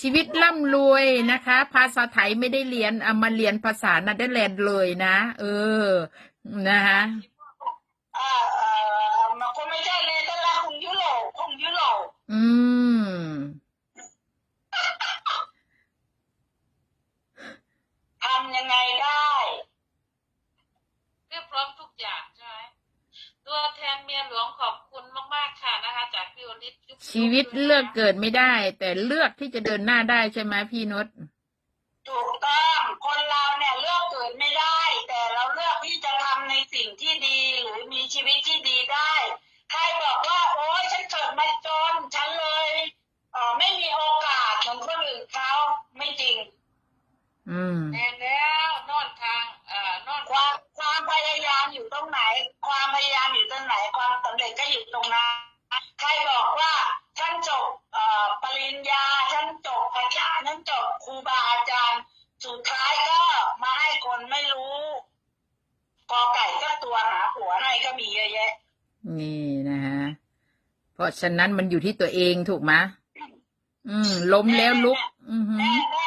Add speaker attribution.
Speaker 1: ชีวิตร่ำรวยนะคะ ภาษาไทยไม่ได้เรียนเอามาเรียนภาษาเนเธอร์แลนด์เลยนะนะคะ
Speaker 2: มันคงไม่ใช่เนเธอร์แลนด์ของยุโรป
Speaker 1: อืม
Speaker 2: ทำยังไงได้
Speaker 3: เรียบพร้อมทุกอย่างใช่ไหมตัวแทนเมียหลวงขอบคุณมากๆค่ะนะคะจากพี่โอลิศ
Speaker 1: ชีวิตเลือกเกิดไม่ได้ แต่เลือกที่จะเดินหน้าได้ใช่ไหมพี่นุช
Speaker 2: ถูกต้องคนเราเนี่ยเลือกเกิดไม่ได้ แต่เราเลือกที่จะทำในสิ่งที่ดีหรือมีชีวิตที่ดีได้ใครบอกว่าโอ๊ยฉันเกิดมาจนฉันเลยไม่มีโอกาสเหมือนคนอื่นเขาไม่จริง
Speaker 3: แน่แล้วนอนทางนอน
Speaker 2: ความพยายามอยู่ตรงไหน ความพยายามอยู่ตรงไหน ความสำเร็จก็อยู่ตรงนั้นใครบอกว่าฉันจบปริญญาฉันจบอาจารย์ฉันจบครูบาอาจารย์สุดท้ายก็มาให้คนไม่รู้กอไก่สักตัวหาผัวให้ก็มีเยอะแยะ
Speaker 1: นี่นะฮะเพราะฉะนั้นมันอยู่ที่ตัวเองถูกไหมล้มแล้วลุก
Speaker 2: แน่